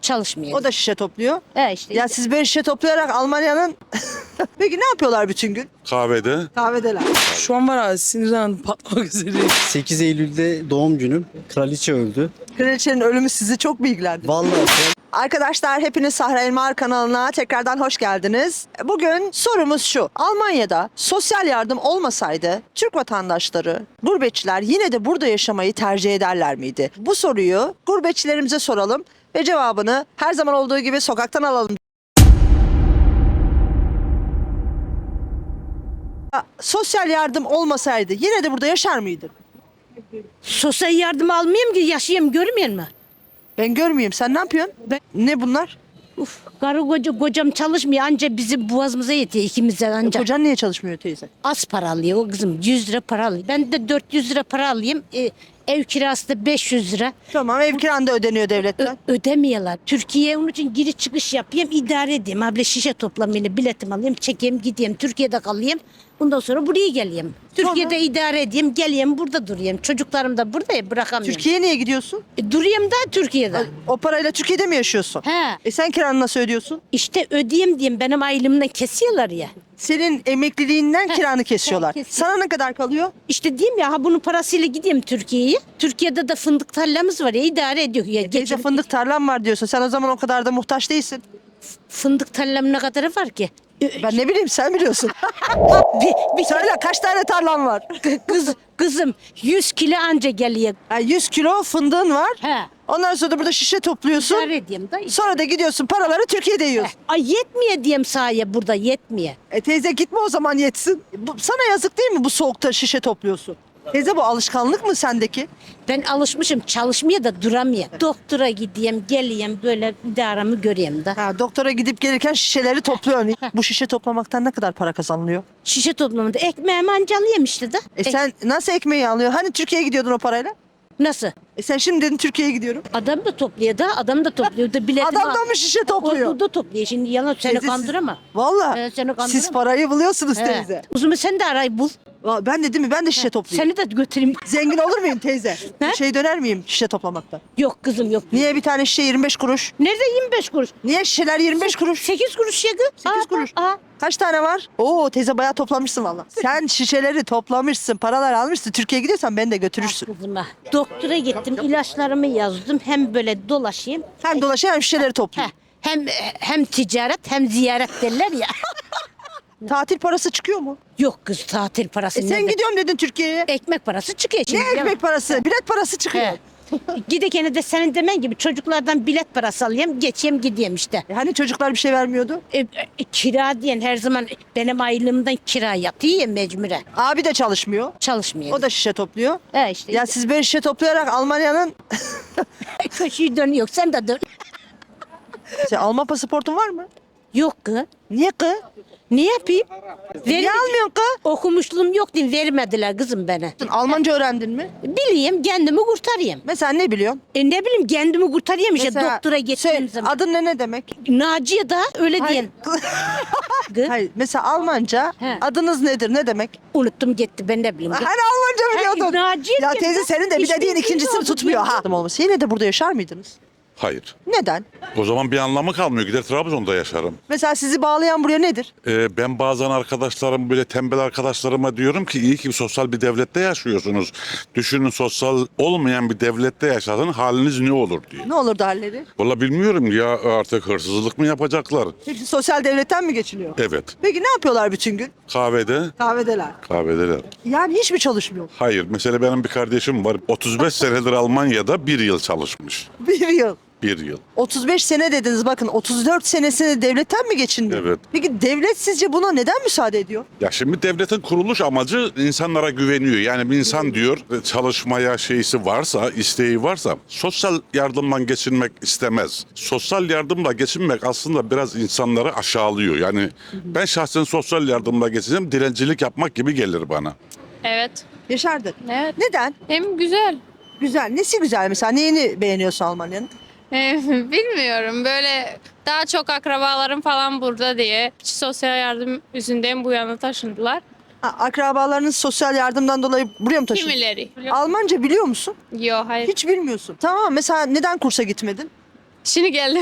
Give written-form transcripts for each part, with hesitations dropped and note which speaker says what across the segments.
Speaker 1: Çalışmıyor.
Speaker 2: O da şişe topluyor.
Speaker 1: İşte.
Speaker 2: Ya siz böyle şişe toplayarak Almanya'nın... Peki ne yapıyorlar bütün gün?
Speaker 3: Kahvede.
Speaker 2: Kahvedeler.
Speaker 4: Şu an var ya sinirden patlamak üzereyim.
Speaker 5: 8 Eylül'de doğum günüm. Kraliçe öldü.
Speaker 2: Kraliçenin ölümü sizi çok mu ilgilendirdi?
Speaker 5: Vallahi
Speaker 2: Arkadaşlar hepiniz Sahra Elmar kanalına tekrardan hoş geldiniz. Bugün sorumuz şu. Almanya'da sosyal yardım olmasaydı Türk vatandaşları, gurbetçiler yine de burada yaşamayı tercih ederler miydi? Bu soruyu gurbetçilerimize soralım ve cevabını her zaman olduğu gibi sokaktan alalım. Sosyal yardım olmasaydı yine de burada yaşar mıydın?
Speaker 1: Sosyal yardım almayayım ki yaşayayım, görmüyor musun?
Speaker 2: Ben görmeyeyim. Sen ne yapıyorsun? Ne bunlar?
Speaker 1: Uf, kocam çalışmıyor, anca bizim boğazımıza yetiyor ikimizden anca.
Speaker 2: Kocan niye çalışmıyor teyze?
Speaker 1: Az para alıyor o kızım, 100 lira para alıyor. Ben de 400 lira para alayım. Ev kirası da 500 lira.
Speaker 2: Tamam, ev kiran da ödeniyor devletten.
Speaker 1: Ödemiyorlar. Türkiye'ye onun için giriş çıkış yapayım, idare edeyim. Abla şişe toplamayla biletimi alayım, çekeyim, gideyim. Türkiye'de kalayım. Bundan sonra buraya geleyim. Türkiye'de idare edeyim, geleyim, burada durayım. Çocuklarım da burada ya, bırakamıyorum.
Speaker 2: Türkiye'ye niye gidiyorsun?
Speaker 1: Durayım da Türkiye'de.
Speaker 2: O parayla Türkiye'de mi yaşıyorsun?
Speaker 1: He.
Speaker 2: Sen kiranı nasıl ödüyorsun?
Speaker 1: İşte ödeyeyim diyeyim, benim aylığımdan kesiyorlar ya.
Speaker 2: Senin emekliliğinden kiranı kesiyorlar.
Speaker 1: kesiyor.
Speaker 2: Sana ne kadar kalıyor?
Speaker 1: İşte diyeyim ya, ha bunun parasıyla gideyim Türkiye'ye. Türkiye'de de fındık tarlamız var ya, idare ediyor ya.
Speaker 2: Teyze fındık tarlam var diyorsun. Sen o zaman o kadar da muhtaç değilsin.
Speaker 1: Fındık tarlam ne kadarı var ki?
Speaker 2: Ben ne bileyim, sen biliyorsun.
Speaker 1: Bir
Speaker 2: Söyle, kaç tane tarlam var?
Speaker 1: kızım 100 kilo anca geliyor.
Speaker 2: 100 kilo fındığın var.
Speaker 1: He.
Speaker 2: Ondan sonra da burada şişe topluyorsun.
Speaker 1: İdare edeyim da.
Speaker 2: Sonra da gidiyorsun paraları Türkiye'de yiyorsun.
Speaker 1: Ay yetmiyor diyeyim sahaya, burada yetmiyor.
Speaker 2: Teyze gitme o zaman, yetsin. Sana yazık değil mi bu soğukta şişe topluyorsun? Teyze, bu alışkanlık mı sendeki?
Speaker 1: Ben alışmışım, çalışmaya da duramıyor. Doktora gideyim, geleyim, böyle idaramı göreyim de.
Speaker 2: Doktora gidip gelirken şişeleri topluyorsun. Bu şişe toplamaktan ne kadar para kazanılıyor?
Speaker 1: Şişe toplamında ekmeğimi anca alayım işte de.
Speaker 2: Sen nasıl ekmeği alıyorsun? Hani Türkiye'ye gidiyordun o parayla?
Speaker 1: Nasıl?
Speaker 2: Sen şimdi dedin Türkiye'ye gidiyorum.
Speaker 1: Adam da topluyor da, adam da topluyor da biletimi
Speaker 2: Adam da mı şişe topluyor?
Speaker 1: O da topluyor. Şimdi yalan seni
Speaker 2: Teyze,
Speaker 1: kandıramam.
Speaker 2: Valla
Speaker 1: Seni kandıramam.
Speaker 2: siz parayı buluyorsunuz
Speaker 1: He.
Speaker 2: teyze.
Speaker 1: Uzun sen de arayı bul.
Speaker 2: Ben de değil mi? Ben de şişe toplayayım.
Speaker 1: Seni de götüreyim.
Speaker 2: Zengin olur muyum teyze?
Speaker 1: He?
Speaker 2: Döner miyim şişe toplamaktan?
Speaker 1: Yok kızım yok.
Speaker 2: Niye bir tane şişe 25 kuruş?
Speaker 1: Nerede 25 kuruş?
Speaker 2: Niye şişeler 25 kuruş?
Speaker 1: 8 kuruş ya kız.
Speaker 2: 8 kuruş. Kaç tane var? Oo teyze, bayağı toplamışsın valla. Sen şişeleri toplamışsın, paralar almışsın. Türkiye'ye gidiyorsan beni de götürürsün.
Speaker 1: Kızıma. Doktora gittim, ilaçlarımı yazdım. Hem böyle dolaşayım.
Speaker 2: Hem dolaşıyor hem şişeleri topluyor.
Speaker 1: Hem ticaret hem ziyaret derler ya.
Speaker 2: Tatil parası çıkıyor mu?
Speaker 1: Yok kız, tatil parası.
Speaker 2: Sen
Speaker 1: nerede?
Speaker 2: gidiyorum dedin Türkiye'ye.
Speaker 1: Ekmek parası çıkıyor şimdi.
Speaker 2: Ne ekmek parası? Bilet parası çıkıyor.
Speaker 1: He. Gidekene de senin demen gibi çocuklardan bilet parası alayım, geçeyim gideyim işte.
Speaker 2: Hani çocuklar bir şey vermiyordu?
Speaker 1: Kira diyen her zaman benim aylığımdan kira yatıyor ya mecburen.
Speaker 2: Abi de çalışmıyor.
Speaker 1: Çalışmıyor.
Speaker 2: O da şişe topluyor.
Speaker 1: İşte.
Speaker 2: Ya siz böyle şişe toplayarak Almanya'nın...
Speaker 1: Köşeyi dönüyor, sen de dön.
Speaker 2: Alman pasaportun var mı?
Speaker 1: Yok kız.
Speaker 2: Niye kız?
Speaker 1: Ne yapayım?
Speaker 2: Niye almıyorsun kız?
Speaker 1: Okumuşluğum yok diye vermediler kızım bana.
Speaker 2: Almanca öğrendin mi?
Speaker 1: Bileyim, kendimi kurtarayım.
Speaker 2: Mesela ne biliyorsun?
Speaker 1: Ne bileyim, kendimi kurtarayım işte
Speaker 2: Mesela
Speaker 1: doktora gittiğim zaman.
Speaker 2: Adın ne demek?
Speaker 1: Naciye da öyle
Speaker 2: Hayır.
Speaker 1: diyen. Kız,
Speaker 2: Hayır. Mesela Almanca
Speaker 1: He.
Speaker 2: adınız nedir? Ne demek?
Speaker 1: unuttum gitti, ben ne bileyim.
Speaker 2: Hani Almanca biliyordun.
Speaker 1: Naciye
Speaker 2: Ya
Speaker 1: diye
Speaker 2: teyze,
Speaker 1: kız,
Speaker 2: senin de bir
Speaker 1: hiç
Speaker 2: dediğin
Speaker 1: bilmiyorum,
Speaker 2: ikincisini
Speaker 1: oldu,
Speaker 2: tutmuyor ha.
Speaker 1: bilmiyorum.
Speaker 2: Olması. Yine de burada yaşar mıydınız?
Speaker 3: Hayır.
Speaker 2: Neden?
Speaker 3: O zaman bir anlamı kalmıyor. Gider Trabzon'da yaşarım.
Speaker 2: Mesela sizi bağlayan buraya nedir?
Speaker 3: Ben bazen arkadaşlarım, böyle tembel arkadaşlarıma diyorum ki iyi ki sosyal bir devlette yaşıyorsunuz. Düşünün, sosyal olmayan bir devlette yaşadın, haliniz ne olur diye.
Speaker 2: Ne olurdu halleri?
Speaker 3: Valla bilmiyorum ya, artık hırsızlık mı yapacaklar?
Speaker 2: Hepsi sosyal devletten mi geçiniyor?
Speaker 3: Evet.
Speaker 2: Peki ne yapıyorlar bütün gün?
Speaker 3: Kahvede,
Speaker 2: Kahvedeler.
Speaker 3: kahvedeler.
Speaker 2: Yani hiç mi çalışmıyor?
Speaker 3: Hayır. Mesela benim bir kardeşim var. 35 senedir Almanya'da, bir yıl çalışmış.
Speaker 2: Bir yıl.
Speaker 3: Bir yıl.
Speaker 2: 35 sene dediniz, bakın 34 senesini devletten mi geçindi?
Speaker 3: Evet.
Speaker 2: Peki devlet sizce buna neden müsaade ediyor?
Speaker 3: Ya şimdi devletin kuruluş amacı insanlara güveniyor. Yani bir insan diyor, çalışmaya şeysi varsa, isteği varsa sosyal yardımdan geçinmek istemez. Sosyal yardımla geçinmek aslında biraz insanları aşağılıyor. Yani ben şahsen sosyal yardımla geçeceğim, dilencilik yapmak gibi gelir bana.
Speaker 6: Evet.
Speaker 2: Yaşardın.
Speaker 6: Evet.
Speaker 2: Neden?
Speaker 6: Hem güzel.
Speaker 2: Güzel. Nesi güzel mesela? Neyini beğeniyorsun Almanya'nın?
Speaker 6: Bilmiyorum, böyle daha çok akrabalarım falan burada diye sosyal yardım yüzünden bu yana taşındılar.
Speaker 2: Akrabalarınız sosyal yardımdan dolayı buraya mı taşındı?
Speaker 6: Kimileri.
Speaker 2: Almanca biliyor musun?
Speaker 6: Yok, hayır.
Speaker 2: Hiç bilmiyorsun. Tamam, mesela neden kursa gitmedin?
Speaker 6: Şimdi geldim.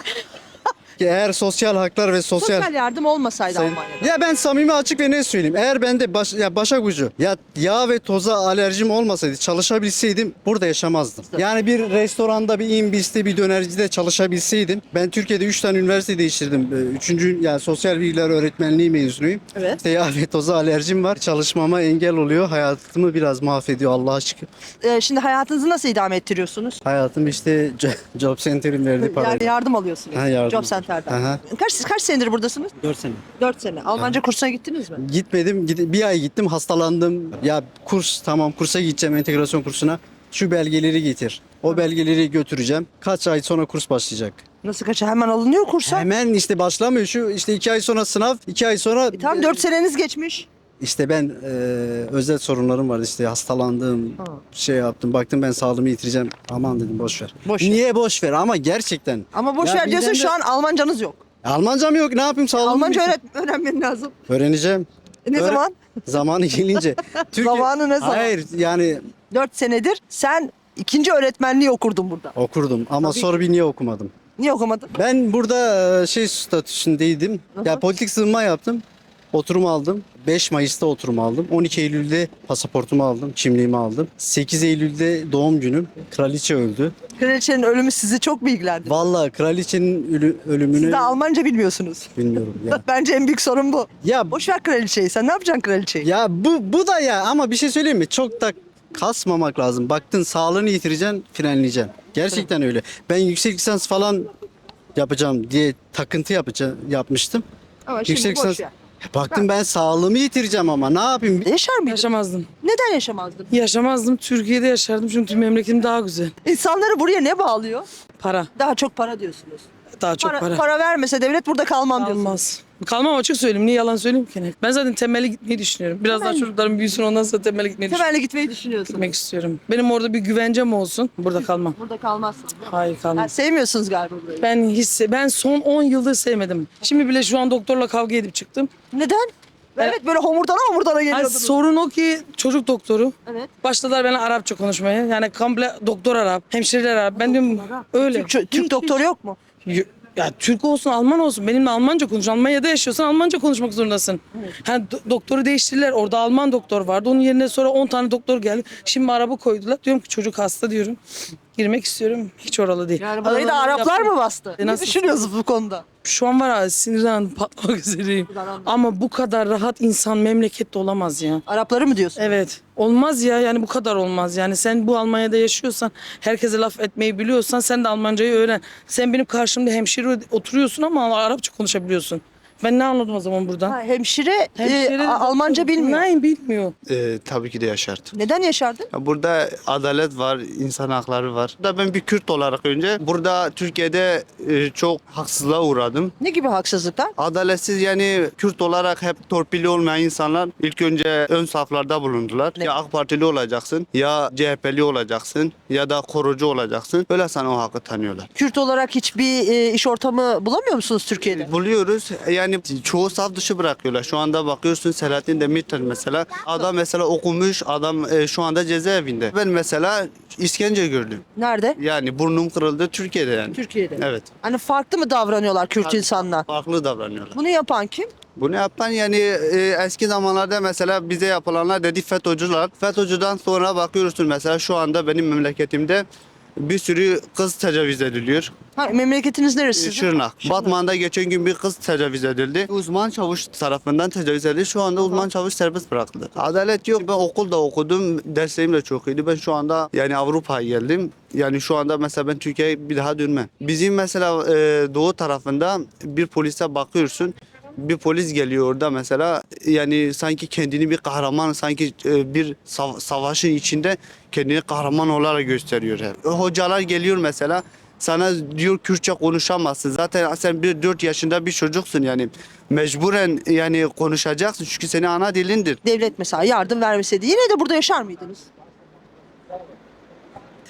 Speaker 5: Eğer sosyal haklar ve
Speaker 2: Sosyal yardım olmasaydı
Speaker 5: Sayın-
Speaker 2: Almanya'da.
Speaker 5: Ya ben samimi açık ve ne söyleyeyim. Eğer bende başak ucu ya yağ ve toza alerjim olmasaydı, çalışabilseydim burada yaşamazdım. Yani bir restoranda, bir imbiste, bir dönercide çalışabilseydim. Ben Türkiye'de 3 tane üniversite değiştirdim. Üçüncü yani sosyal bilgiler öğretmenliği mezunuyum.
Speaker 2: Evet.
Speaker 5: İşte yağ ve toza alerjim var. Çalışmama engel oluyor. Hayatımı biraz mahvediyor Allah'a şükür.
Speaker 2: Şimdi hayatınızı nasıl idame ettiriyorsunuz?
Speaker 5: Hayatım işte Job Center'in verdiği parayla.
Speaker 2: Yani yardım alıyorsunuz.
Speaker 5: Ha, yardım.
Speaker 2: Job Center'den.
Speaker 5: Aha.
Speaker 2: Kaç senedir buradasınız?
Speaker 5: 4 sene.
Speaker 2: 4 sene. Almanca kursuna gittiniz mi?
Speaker 5: Gitmedim. Bir ay gittim, hastalandım. Ya tamam kursa gideceğim, entegrasyon kursuna. Şu belgeleri getir. O belgeleri götüreceğim. Kaç ay sonra kurs başlayacak?
Speaker 2: Nasıl kaça? Hemen alınıyor kursa.
Speaker 5: Hemen işte başlamıyor. Şu işte 2 ay sonra sınav, 2 ay sonra...
Speaker 2: Tam 4 seneniz geçmiş.
Speaker 5: İşte ben özel sorunlarım vardı, işte hastalandım, şey yaptım, baktım ben sağlığımı yitireceğim. Aman dedim boş ver.
Speaker 2: Boş ver.
Speaker 5: Niye boş ver ama gerçekten.
Speaker 2: Ama boş
Speaker 5: Ya
Speaker 2: ver diyorsun,
Speaker 5: birden
Speaker 2: şu
Speaker 5: de-
Speaker 2: an Almancanız yok.
Speaker 5: Almancam yok, ne yapayım sağlığımı
Speaker 2: Almanca
Speaker 5: yitireceğim.
Speaker 2: öğrenmen lazım.
Speaker 5: Öğreneceğim.
Speaker 2: Ne
Speaker 5: Öğre-
Speaker 2: zaman?
Speaker 5: Zamanı gelince.
Speaker 2: Zamanı ne zaman?
Speaker 5: Hayır yani
Speaker 2: 4 senedir sen ikinci öğretmenliği okurdun burada.
Speaker 5: okurdum ama sonra bir niye okumadım?
Speaker 2: Niye okumadın?
Speaker 5: Ben burada şey statüsündeydim. Ya politik sığınma yaptım. Oturum aldım. 5 Mayıs'ta oturum aldım. 12 Eylül'de pasaportumu aldım. Kimliğimi aldım. 8 Eylül'de doğum günüm. Kraliçe öldü.
Speaker 2: Kraliçenin ölümü sizi çok bilgilendirdi.
Speaker 5: Vallahi kraliçenin ölümünü
Speaker 2: Siz de Almanca bilmiyorsunuz.
Speaker 5: bilmiyorum ya.
Speaker 2: Bence en büyük sorun bu.
Speaker 5: Ya
Speaker 2: Boş ver kraliçeyi. Sen ne yapacaksın kraliçeyi?
Speaker 5: ya bu da ya, ama bir şey söyleyeyim mi? Çok da kasmamak lazım. Baktın sağlığını yitireceksin, frenleyeceksin. Gerçekten öyle. Ben yüksek lisans falan yapacağım diye takıntı yapmıştım.
Speaker 2: Ama
Speaker 5: Yüksek
Speaker 2: şimdi boş
Speaker 5: lisans.
Speaker 2: ver.
Speaker 5: Baktım ben sağlığımı yitireceğim ama ne yapayım?
Speaker 2: Yaşar mıydın?
Speaker 4: Yaşamazdım.
Speaker 2: Neden yaşamazdın?
Speaker 4: Yaşamazdım. Türkiye'de yaşardım çünkü memleketim daha güzel.
Speaker 2: İnsanları buraya ne bağlıyor?
Speaker 4: Para.
Speaker 2: Daha çok para diyorsunuz.
Speaker 4: Daha çok para.
Speaker 2: Para vermese devlet burada kalmam diyorsunuz.
Speaker 4: Kalmaz. Kalmam, açık söyleyeyim. Niye yalan söyleyeyim ki? Ben zaten temelli gitmeyi düşünüyorum. Biraz daha çocuklarım büyüsün, ondan sonra temelli
Speaker 2: Temelli gitmeyi düşünüyorsun.
Speaker 4: gitmek istiyorum. Benim orada bir güvencem olsun. Burada kalmam.
Speaker 2: Burada kalmazsın.
Speaker 4: Hayır, kalmam.
Speaker 2: Sevmiyorsunuz galiba burayı.
Speaker 4: Ben son 10 yıldır sevmedim. Şimdi bile şu an doktorla kavga edip çıktım.
Speaker 2: Neden? Evet, böyle homurdana
Speaker 4: Hani
Speaker 2: geliyordunuz.
Speaker 4: sorun o ki çocuk doktoru.
Speaker 2: Evet.
Speaker 4: Başladılar bana Arapça konuşmaya. Yani komple doktor Arap, hemşireler Arap. Ben diyorum öyle.
Speaker 2: Türk doktoru yok mu?
Speaker 4: Ya Türk olsun, Alman olsun. Benimle Almanca konuş. Almanya'da yaşıyorsan Almanca konuşmak zorundasın. Hani doktoru değiştirdiler. Orada Alman doktor vardı. Onun yerine sonra 10 tane doktor geldi. Şimdi Arap'ı koydular. Diyorum ki çocuk hasta diyorum. Girmek istiyorum. Hiç oralı değil.
Speaker 2: Yani burayı da
Speaker 4: Aralarını
Speaker 2: Araplar
Speaker 4: yaptım.
Speaker 2: mı bastı? Ne
Speaker 4: Nasıl?
Speaker 2: düşünüyorsunuz bu konuda?
Speaker 4: Şu an var ya, sinirden patlamak üzereyim. Ama bu kadar rahat insan memlekette olamaz ya.
Speaker 2: Arapları mı diyorsun?
Speaker 4: Evet. Olmaz ya, yani bu kadar olmaz. Yani sen bu Almanya'da yaşıyorsan, herkese laf etmeyi biliyorsan sen de Almancayı öğren. Sen benim karşımda hemşire oturuyorsun ama Arapça konuşabiliyorsun. Ben ne anladım o zaman buradan?
Speaker 2: Hemşire,
Speaker 4: Hemşire
Speaker 2: Almanca bilmiyor.
Speaker 4: Nein, bilmiyor.
Speaker 7: Tabii ki de yaşardım.
Speaker 2: Neden yaşardın?
Speaker 7: Ya burada adalet var, insan hakları var. Burada ben bir Kürt olarak önce burada Türkiye'de çok haksızlığa uğradım.
Speaker 2: Ne gibi haksızlıklar?
Speaker 7: Adaletsiz, yani Kürt olarak hep torpilli olmayan insanlar ilk önce ön saflarda bulundular. Ya AK Partili olacaksın, ya CHP'li olacaksın, ya da korucu olacaksın. Öyle sana o hakkı tanıyorlar.
Speaker 2: Kürt olarak hiçbir iş ortamı bulamıyor musunuz Türkiye'de?
Speaker 7: Buluyoruz. Yani çoğu saf dışı bırakıyorlar. Şu anda bakıyorsun Selahattin Demirtaş mesela. Adam mesela okumuş, adam şu anda cezaevinde. Ben mesela işkence gördüm.
Speaker 2: Nerede?
Speaker 7: Yani burnum kırıldı Türkiye'de yani.
Speaker 2: Türkiye'de.
Speaker 7: Evet.
Speaker 2: Hani farklı mı davranıyorlar Kürt insanlar?
Speaker 7: Farklı davranıyorlar.
Speaker 2: Bunu yapan kim?
Speaker 7: Bunu yapan yani eski zamanlarda mesela bize yapılanlar dedi FETÖ'cüler. FETÖ'cüden sonra bakıyorsun mesela şu anda benim memleketimde bir sürü kız tecavüz ediliyor.
Speaker 2: Memleketiniz neresi sizin?
Speaker 7: Şırnak. Batman'da geçen gün bir kız tecavüz edildi. Uzman çavuş tarafından tecavüz edildi. Şu anda uzman çavuş serbest bırakıldı. Adalet yok. Ben okulda okudum. Derslerim de çok iyiydi. Ben şu anda yani Avrupa'ya geldim. Yani şu anda mesela ben Türkiye'ye bir daha dönmem. Bizim mesela doğu tarafında bir polise bakıyorsun. Bir polis geliyor orada mesela, yani sanki kendini bir kahraman, sanki bir savaşın içinde kendini kahraman olarak gösteriyor hep. Hocalar geliyor mesela, sana diyor Kürtçe konuşamazsın. Zaten sen 4 yaşında bir çocuksun, yani mecburen yani konuşacaksın çünkü senin ana dilindir.
Speaker 2: Devlet mesela yardım vermeseydi yine de burada yaşar mıydınız?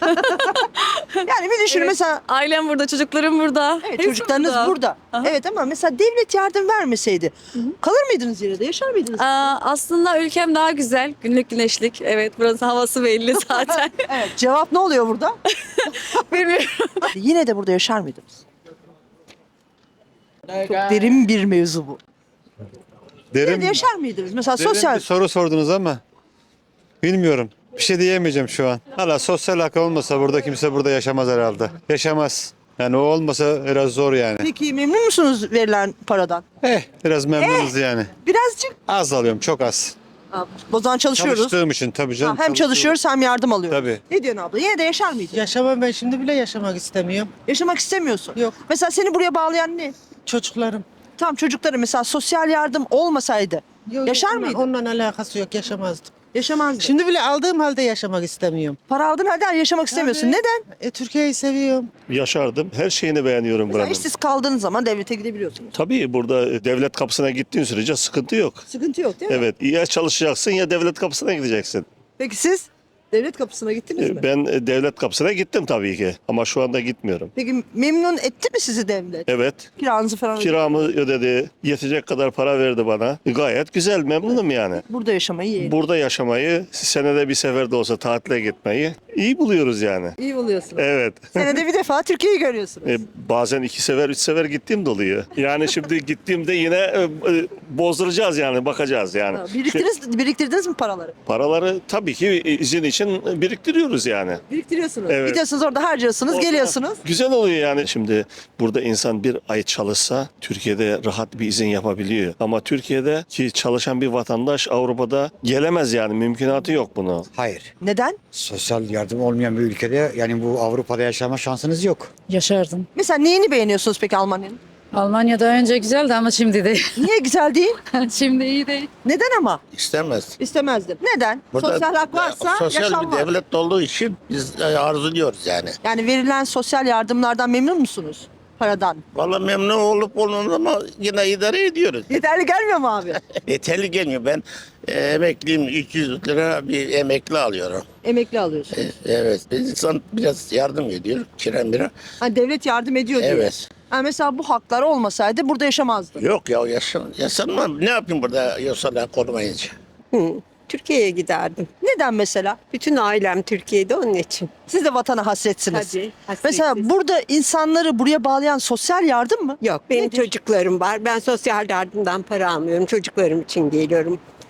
Speaker 2: Yani bir düşün mesela
Speaker 8: Ailem burada, çocuklarım burada.
Speaker 2: evet,
Speaker 8: Hepsi
Speaker 2: çocuklarınız burada.
Speaker 8: Aha.
Speaker 2: Evet ama mesela devlet yardım vermeseydi kalır mıydınız yine de yaşar mıydınız?
Speaker 8: Aslında ülkem daha güzel. Günlük güneşlik. Evet, burası havası belli zaten.
Speaker 2: Evet, cevap ne oluyor burada?
Speaker 8: Bilmiyorum.
Speaker 2: Yine de burada yaşar mıydınız? Çok derin bir mevzu bu. Yine de
Speaker 9: Derin,
Speaker 2: yaşar mıydınız? Mesela
Speaker 9: derin
Speaker 2: sosyal...
Speaker 9: bir soru sordunuz ama bilmiyorum. Bir şey diyemeyeceğim şu an. Hala sosyal hak olmasa burada kimse burada yaşamaz herhalde. Yaşamaz. Yani o olmasa biraz zor yani.
Speaker 2: Peki memnun musunuz verilen paradan?
Speaker 9: Biraz memnunuz yani.
Speaker 2: Birazcık.
Speaker 9: Az alıyorum, çok az.
Speaker 2: O zaman çalışıyoruz.
Speaker 9: Çalıştığım için tabii canım.
Speaker 2: Ha, hem çalışıyoruz hem yardım alıyoruz.
Speaker 9: Tabii.
Speaker 2: Ne diyorsun abla? Yine de yaşar mıydın?
Speaker 10: Yaşamam, ben şimdi bile yaşamak istemiyorum.
Speaker 2: Yaşamak istemiyorsun.
Speaker 10: Yok.
Speaker 2: Mesela seni buraya bağlayan ne?
Speaker 10: Çocuklarım.
Speaker 2: Tam çocukları mesela sosyal yardım olmasaydı
Speaker 10: Yok,
Speaker 2: yaşar
Speaker 10: onunla-
Speaker 2: mıydın?
Speaker 10: Onunla alakası yok, yaşamazdım.
Speaker 2: Yaşamazdın.
Speaker 10: Şimdi bile aldığım halde yaşamak istemiyorum.
Speaker 2: Para aldın halde yaşamak istemiyorsun.
Speaker 10: Tabii.
Speaker 2: Neden?
Speaker 10: Türkiye'yi seviyorum.
Speaker 11: Yaşardım. Her şeyini beğeniyorum
Speaker 2: Mesela
Speaker 11: buranın.
Speaker 2: işsiz kaldığınız zaman devlete gidebiliyorsunuz.
Speaker 11: Tabii burada devlet kapısına gittiğin sürece sıkıntı yok.
Speaker 2: Sıkıntı yok değil mi?
Speaker 11: Evet, ya çalışacaksın ya devlet kapısına gideceksin.
Speaker 2: Peki siz devlet kapısına gittiniz mi?
Speaker 11: Ben devlet kapısına gittim tabii ki ama şu anda gitmiyorum.
Speaker 2: Peki memnun etti mi sizi devlet?
Speaker 11: Evet,
Speaker 2: Kiranızı falan
Speaker 11: kiramı ödedi, yetecek kadar para verdi bana. Gayet güzel, memnunum yani.
Speaker 2: burada yaşamayı yeğenim.
Speaker 11: Burada yaşamayı, senede bir sefer de olsa tatile gitmeyi iyi buluyoruz yani.
Speaker 2: İyi buluyorsunuz.
Speaker 11: Evet.
Speaker 2: Senede bir defa Türkiye'yi görüyorsunuz.
Speaker 11: Bazen 2 sefer, 3 sefer gittiğim de oluyor. Yani şimdi gittiğimde yine bozduracağız yani, bakacağız yani.
Speaker 2: Ha, biriktirdiniz mi paraları?
Speaker 11: Paraları tabii ki izin için biriktiriyoruz yani.
Speaker 2: Biriktiriyorsunuz.
Speaker 11: Evet.
Speaker 2: Gidiyorsunuz orada harcıyorsunuz, geliyorsunuz.
Speaker 11: Güzel oluyor yani. Şimdi burada insan bir ay çalışsa Türkiye'de rahat bir izin yapabiliyor. Ama Türkiye'de ki çalışan bir vatandaş Avrupa'da gelemez yani. Mümkünatı yok bunu.
Speaker 12: Hayır.
Speaker 2: Neden?
Speaker 12: Sosyal yardım olmayan bir ülkede yani bu Avrupa'da yaşama şansınız yok.
Speaker 8: Yaşardım.
Speaker 2: Mesela neyini beğeniyorsunuz peki Almanya'nın?
Speaker 8: Almanya'da önce güzeldi ama şimdi değil.
Speaker 2: Niye güzel değil?
Speaker 8: Şimdi iyi değil.
Speaker 2: Neden ama?
Speaker 13: İstemez.
Speaker 2: İstemezdim. Neden?
Speaker 13: Burada
Speaker 2: sosyal hak varsa
Speaker 13: sosyal
Speaker 2: yaşam
Speaker 13: bir
Speaker 2: var.
Speaker 13: devlet olduğu için biz arzuluyoruz yani.
Speaker 2: Yani verilen sosyal yardımlardan memnun musunuz? Paradan.
Speaker 13: Vallahi memnun olup olmamız ama yine idare ediyoruz.
Speaker 2: Yeterli gelmiyor mu abi?
Speaker 13: Yeterli gelmiyor. Ben emekliyim. 300 lira bir emekli alıyorum.
Speaker 2: Emekli alıyorsunuz.
Speaker 13: Evet. İnsan biraz yardım ediyor. Kiren bira.
Speaker 2: Hani devlet yardım ediyor diye.
Speaker 13: Evet.
Speaker 2: Ha, mesela bu haklar olmasaydı burada yaşamazdın.
Speaker 13: Yok ya yaşanmam. Ne yapayım burada yosala korumayınca?
Speaker 14: Türkiye'ye giderdim.
Speaker 2: Neden mesela?
Speaker 14: Bütün ailem Türkiye'de onun için.
Speaker 2: Siz de vatana hasretsiniz.
Speaker 14: Tabii. hasretsiz.
Speaker 2: Mesela burada insanları buraya bağlayan sosyal yardım mı?
Speaker 14: Yok benim
Speaker 2: Nedir?
Speaker 14: çocuklarım var. Ben sosyal yardımdan para almıyorum. Çocuklarım için geliyorum.